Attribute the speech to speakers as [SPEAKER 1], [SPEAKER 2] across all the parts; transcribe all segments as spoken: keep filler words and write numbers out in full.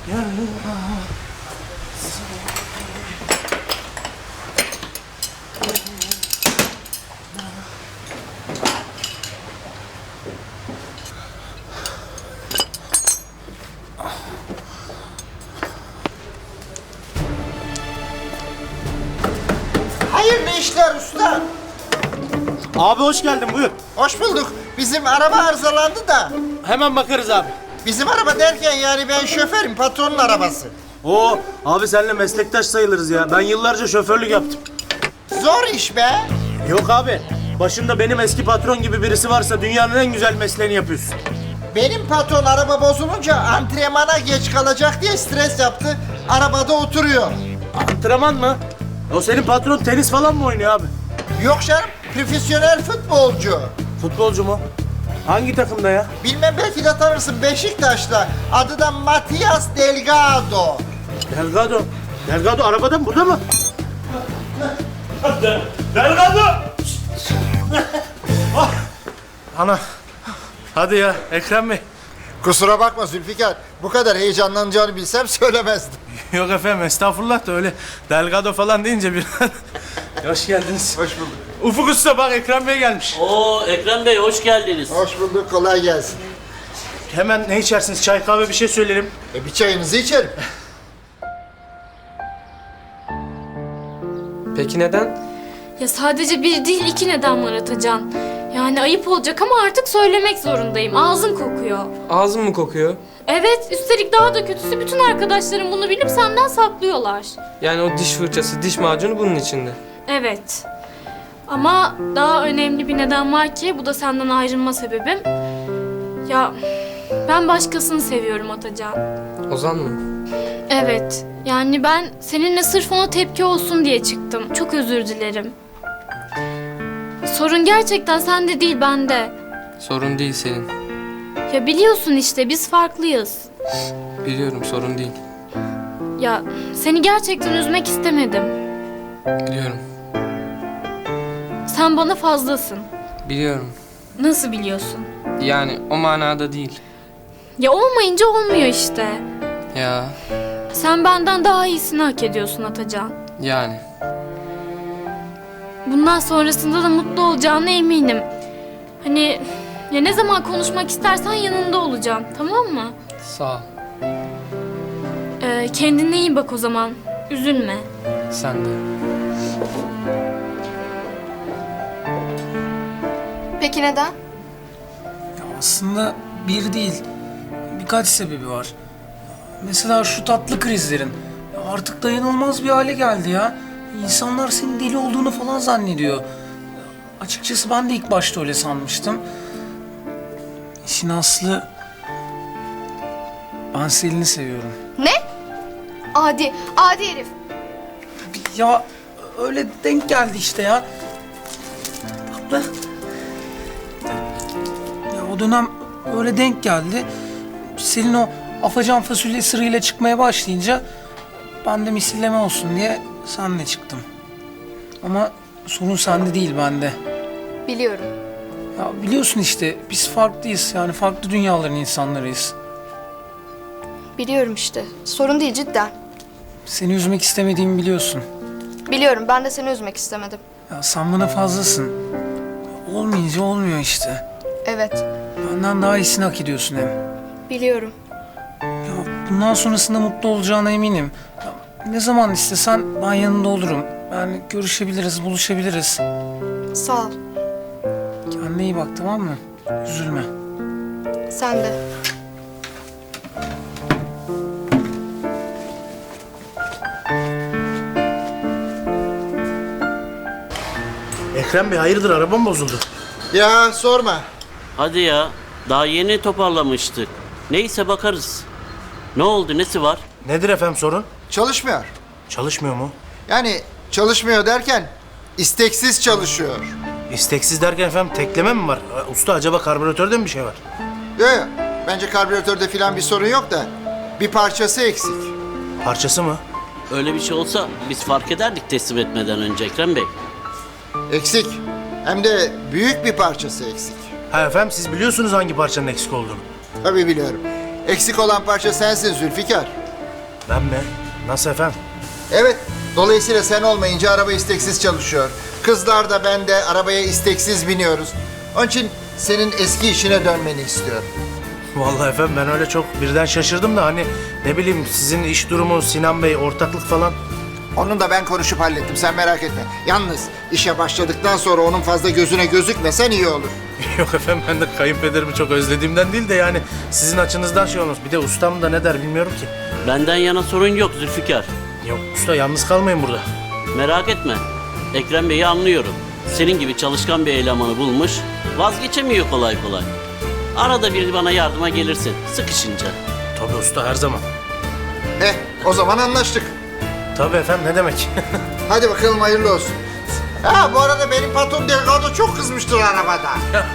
[SPEAKER 1] Hayırlı işler usta.
[SPEAKER 2] Abi hoş geldin, buyur.
[SPEAKER 1] Hoş bulduk. Bizim araba arızalandı da.
[SPEAKER 2] Hemen bakarız abi.
[SPEAKER 1] Bizim araba derken yani ben şoförüm, patronun arabası.
[SPEAKER 2] Oo, abi seninle meslektaş sayılırız ya. Ben yıllarca şoförlük yaptım.
[SPEAKER 1] Zor iş be.
[SPEAKER 2] Yok abi, başında benim eski patron gibi birisi varsa dünyanın en güzel mesleğini yapıyorsun.
[SPEAKER 1] Benim patron araba bozulunca antrenmana geç kalacak diye stres yaptı. Arabada oturuyor.
[SPEAKER 2] Antrenman mı? O senin patron tenis falan mı oynuyor abi?
[SPEAKER 1] Yok canım, profesyonel futbolcu.
[SPEAKER 2] Futbolcu mu? Hangi takımda ya?
[SPEAKER 1] Bilmem, belki de tanırsın, Beşiktaş'ta. Adı da Matias Delgado.
[SPEAKER 2] Delgado. Delgado arabada mı? Burada mı? Delgado! Ah! Ana. Hadi ya Ekrem Bey.
[SPEAKER 1] Kusura bakma Zülfikar, bu kadar heyecanlanacağını bilsem söylemezdim.
[SPEAKER 2] Yok efendim, estağfurullah da öyle Delgado falan deyince bir... Hoş geldiniz.
[SPEAKER 1] Hoş bulduk.
[SPEAKER 2] Ufuk Usta bak, Ekrem Bey gelmiş.
[SPEAKER 3] Oo Ekrem Bey hoş geldiniz.
[SPEAKER 1] Hoş bulduk, kolay gelsin.
[SPEAKER 2] Hemen ne içersiniz? Çay, kahve, bir şey söyleyelim.
[SPEAKER 1] E, bir çayınızı içerim.
[SPEAKER 4] Peki neden?
[SPEAKER 5] Ya sadece bir değil iki neden var Atacan. Yani ayıp olacak ama artık söylemek zorundayım. Ağzım kokuyor.
[SPEAKER 4] Ağzın mı kokuyor?
[SPEAKER 5] Evet, üstelik daha da kötüsü bütün arkadaşlarım bunu bilip senden saklıyorlar.
[SPEAKER 4] Yani o diş fırçası, diş macunu bunun içinde.
[SPEAKER 5] Evet. Ama daha önemli bir neden var ki bu da senden ayrılma sebebim. Ya ben başkasını seviyorum Atacan.
[SPEAKER 4] Ozan mı?
[SPEAKER 5] Evet. Yani ben seninle sırf ona tepki olsun diye çıktım. Çok özür dilerim. Sorun gerçekten sende değil, bende.
[SPEAKER 4] Sorun değil senin.
[SPEAKER 5] Ya biliyorsun işte biz farklıyız.
[SPEAKER 4] Biliyorum, sorun değil.
[SPEAKER 5] Ya seni gerçekten üzmek istemedim.
[SPEAKER 4] Biliyorum.
[SPEAKER 5] Sen bana fazlasın.
[SPEAKER 4] Biliyorum.
[SPEAKER 5] Nasıl biliyorsun?
[SPEAKER 4] Yani o manada değil.
[SPEAKER 5] Ya olmayınca olmuyor işte.
[SPEAKER 4] Ya
[SPEAKER 5] Sen benden daha iyisini hak ediyorsun Atacan.
[SPEAKER 4] yani.
[SPEAKER 5] Bundan sonrasında da mutlu olacağına eminim. Hani ya ne zaman konuşmak istersen yanında olacağım, tamam mı?
[SPEAKER 4] Sağ ol.
[SPEAKER 5] Ee, kendine iyi bak o zaman. Üzülme.
[SPEAKER 4] Sen de.
[SPEAKER 6] Peki neden?
[SPEAKER 7] Aslında bir değil, birkaç sebebi var. Mesela şu tatlı krizlerin. Artık dayanılmaz bir hale geldi ya. İnsanlar senin deli olduğunu falan zannediyor. Açıkçası ben de ilk başta öyle sanmıştım. İşin aslı... Ben Selin'i seviyorum.
[SPEAKER 6] Ne? Adi, adi herif.
[SPEAKER 7] Ya öyle denk geldi işte ya. Tatlı. Ya o dönem öyle denk geldi. Selin o afacan fasulye sırrıyla çıkmaya başlayınca ben de misilleme olsun diye seninle çıktım. Ama sorun sende değil, bende.
[SPEAKER 6] Biliyorum.
[SPEAKER 7] Ya biliyorsun işte biz farklıyız, yani farklı dünyaların insanlarıyız.
[SPEAKER 6] Biliyorum işte. Sorun değil cidden.
[SPEAKER 7] Seni üzmek istemediğimi biliyorsun.
[SPEAKER 6] Biliyorum, ben de seni üzmek istemedim.
[SPEAKER 7] Ya sen bana fazlasın. Olmayınca olmuyor işte.
[SPEAKER 6] Evet,
[SPEAKER 7] Benden daha iyisini hak ediyorsun hem.
[SPEAKER 6] biliyorum.
[SPEAKER 7] Ya bundan sonrasında mutlu olacağına eminim. Ya ne zaman istesen ben yanında olurum. Yani görüşebiliriz, buluşabiliriz.
[SPEAKER 6] Sağ ol.
[SPEAKER 7] Kendine iyi bak, tamam mı? Üzülme.
[SPEAKER 6] Sen de.
[SPEAKER 2] Ekrem Bey hayırdır, araba mı bozuldu?
[SPEAKER 1] Ya sorma.
[SPEAKER 3] Hadi ya daha yeni toparlamıştık. Neyse bakarız. Ne oldu, nesi var?
[SPEAKER 2] Nedir efendim sorun?
[SPEAKER 1] Çalışmıyor.
[SPEAKER 2] Çalışmıyor mu?
[SPEAKER 1] Yani çalışmıyor derken isteksiz çalışıyor.
[SPEAKER 2] İsteksiz derken efendim tekleme mi var? Usta acaba karbüratörde mi bir şey var?
[SPEAKER 1] Yok yok. Bence karbüratörde falan bir sorun yok da bir parçası eksik.
[SPEAKER 2] Parçası mı?
[SPEAKER 3] Öyle bir şey olsa biz fark ederdik teslim etmeden önce Ekrem Bey.
[SPEAKER 1] Eksik. Hem de büyük bir parçası eksik.
[SPEAKER 2] Ha efendim, siz biliyorsunuz hangi parçanın eksik olduğunu.
[SPEAKER 1] Tabii biliyorum. Eksik olan parça sensin Zülfikar.
[SPEAKER 2] Ben mi? Nasıl efendim?
[SPEAKER 1] Evet, dolayısıyla sen olmayınca araba isteksiz çalışıyor. Kızlar da ben de arabaya isteksiz biniyoruz. Onun için senin eski işine dönmeni istiyorum.
[SPEAKER 2] Vallahi efendim ben öyle çok birden şaşırdım da hani ne bileyim sizin iş durumu Sinan Bey ortaklık falan.
[SPEAKER 1] Onu da ben konuşup hallettim, sen merak etme. Yalnız işe başladıktan sonra onun fazla gözüne gözükmesen iyi olur.
[SPEAKER 2] Yok efendim ben de kayınpederimi çok özlediğimden değil de yani sizin açınızdan şey olmuş. Bir de ustam da ne der bilmiyorum ki.
[SPEAKER 3] Benden yana sorun yok Zülfikar.
[SPEAKER 2] Yok usta yalnız kalmayın burada.
[SPEAKER 3] Merak etme. Ekrem Bey'i anlıyorum. Senin gibi çalışkan bir elemanı bulmuş, vazgeçemiyor kolay kolay. Arada bir bana yardıma gelirsin, sıkışınca.
[SPEAKER 2] Tabii usta her zaman.
[SPEAKER 1] Eh, o zaman anlaştık.
[SPEAKER 2] Tabii efendim ne demek.
[SPEAKER 1] Hadi bakalım hayırlı olsun. Ha bu arada benim patron Delgado çok kızmıştır arabada.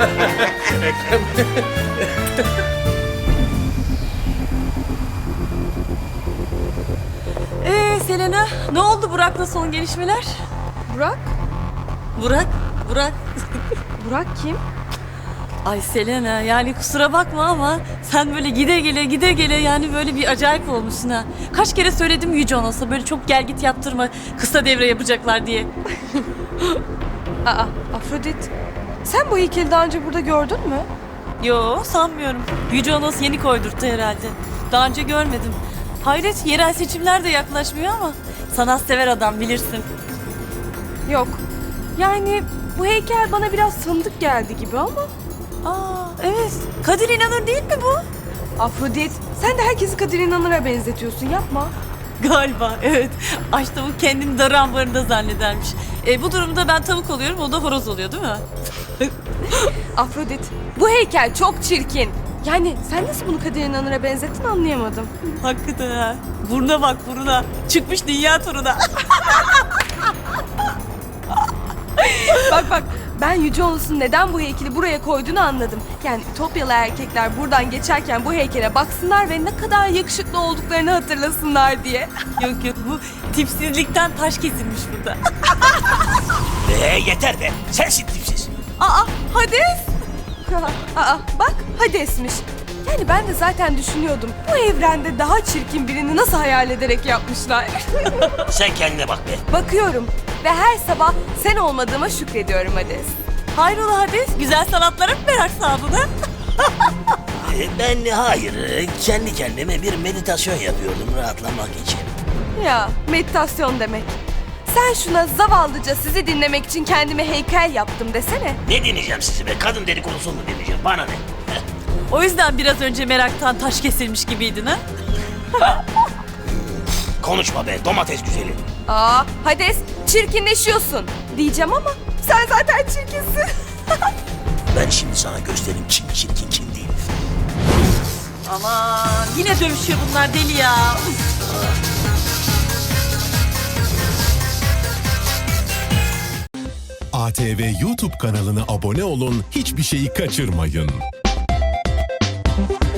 [SPEAKER 8] Ee Selena, ne oldu Burak'la son gelişmeler?
[SPEAKER 6] Burak?
[SPEAKER 8] Burak, Burak.
[SPEAKER 6] Burak kim?
[SPEAKER 8] Ay Selena, yani kusura bakma ama sen böyle gide gele gide gele yani böyle bir acayip olmuşsun ha. Kaç kere söyledim Yüce Onos'a böyle çok gel git yaptırma, kısa devre yapacaklar diye.
[SPEAKER 6] Aa, Afrodit. Sen bu heykeli daha önce burada gördün mü?
[SPEAKER 8] Yo, sanmıyorum. Yüce Onos yeni koydurttu herhalde. Daha önce görmedim. Hayret, yerel seçimler de yaklaşmıyor ama sanatsever adam bilirsin.
[SPEAKER 6] Yok. Yani bu heykel bana biraz tanıdık geldi gibi ama.
[SPEAKER 8] Aa, evet. Kadir İnanır değil mi bu?
[SPEAKER 6] Afrodit, sen de herkesi Kadir İnanır'a benzetiyorsun, yapma.
[SPEAKER 8] Galiba evet. Aç tavuk kendini darı ambarında zannedermiş. E, bu durumda ben tavuk oluyorum, o da horoz oluyor değil mi?
[SPEAKER 6] Afrodit, bu heykel çok çirkin. Yani sen nasıl bunu Kadir İnanır'a benzettin anlayamadım.
[SPEAKER 8] Hakikaten ha. Buruna bak buruna. Çıkmış dünya turuna.
[SPEAKER 6] Bak bak, ben Yüce Onos'un neden bu heykeli buraya koyduğunu anladım. Yani Ütopyalı erkekler buradan geçerken bu heykele baksınlar ve ne kadar yakışıklı olduklarını hatırlasınlar diye.
[SPEAKER 8] Yok yok, bu tipsizlikten taş kesilmiş burada.
[SPEAKER 9] Ee, yeter be. Sensin tipsiz.
[SPEAKER 6] Aa, Hades! Aa, bak Hades'miş. Yani ben de zaten düşünüyordum. Bu evrende daha çirkin birini nasıl hayal ederek yapmışlar.
[SPEAKER 9] Sen kendine bak be.
[SPEAKER 6] Bakıyorum ve her sabah sen olmadığıma şükrediyorum Hades.
[SPEAKER 8] Hayrola Hades, güzel sanatlara mı merak saldın ha?
[SPEAKER 9] Ee, ben hayır. Kendi kendime bir meditasyon yapıyordum rahatlamak için.
[SPEAKER 6] Ya meditasyon demek. Sen şuna zavallıca sizi dinlemek için kendime heykel yaptım desene.
[SPEAKER 9] Ne dinleyeceğim sizi be? Kadın dedikodusunu mu dinleyeceğim? Bana ne?
[SPEAKER 8] O yüzden biraz önce meraktan taş kesilmiş gibiydin ha?
[SPEAKER 9] Konuşma be domates güzeli.
[SPEAKER 6] Aa, Hades çirkinleşiyorsun diyeceğim ama sen zaten çirkinsin.
[SPEAKER 9] Ben şimdi sana göstereyim kim çirkin kim değil.
[SPEAKER 8] Aman yine dövüşüyor bunlar deli ya.
[SPEAKER 10] A T V YouTube kanalına abone olun, hiçbir şeyi kaçırmayın.